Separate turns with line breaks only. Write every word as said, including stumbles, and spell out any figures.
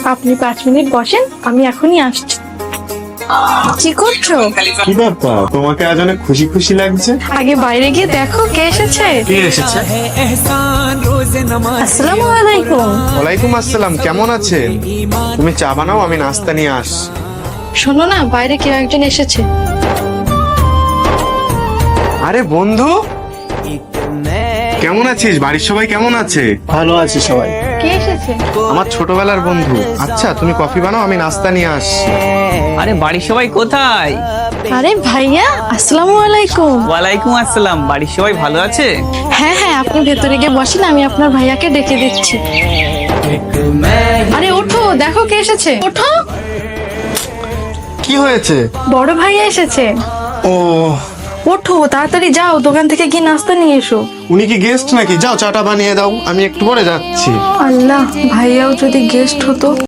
আপনি পাঁচ মিনিট বসেন, আমি এখনই আসছি। কি করছো?
কি ব্যাপার, তোমাকে আজ অনেক খুশি খুশি লাগছে।
আগে বাইরে গিয়ে দেখো কে এসেছে।
কে এসেছে?
আসসালামু আলাইকুম।
ওয়ালাইকুম আসসালাম, কেমন আছেন? তুমি চা বানাও, আমি নাস্তা নিয়ে আস।
শোনো না, বাইরে কেউ একজন এসেছে।
আরে বন্ধু, কেমন আছিস? বাড়ির সবাই কেমন আছে?
ভালো আছে সবাই।
কে এসেছে?
আমার ছোটবেলার বন্ধু। আচ্ছা তুমি কফি বানাও, আমি নাস্তা নিয়ে আস।
আরে বাড়ির সবাই কোথায়?
আরে ভাইয়া, আসসালামু আলাইকুম।
ওয়ালাইকুম আসসালাম। বাড়ির সবাই ভালো আছে?
হ্যাঁ হ্যাঁ, আপনি ভেতরে গিয়ে বসেন, আমি আপনার ভাইয়াকে ডেকে দিচ্ছি। আরে ওঠো, দেখো কে এসেছে। ওঠো।
কি হয়েছে?
বড় ভাইয়া এসেছে।
ও,
ওঠো তাড়াতাড়ি, যাও দোকান থেকে গিয়ে নাস্তা নিয়ে এসো।
উনি কি গেস্ট নাকি? যাও চাটা বানিয়ে দাও, আমি একটু পরে যাচ্ছি।
আল্লাহ, ভাইয়াও যদি গেস্ট হতো।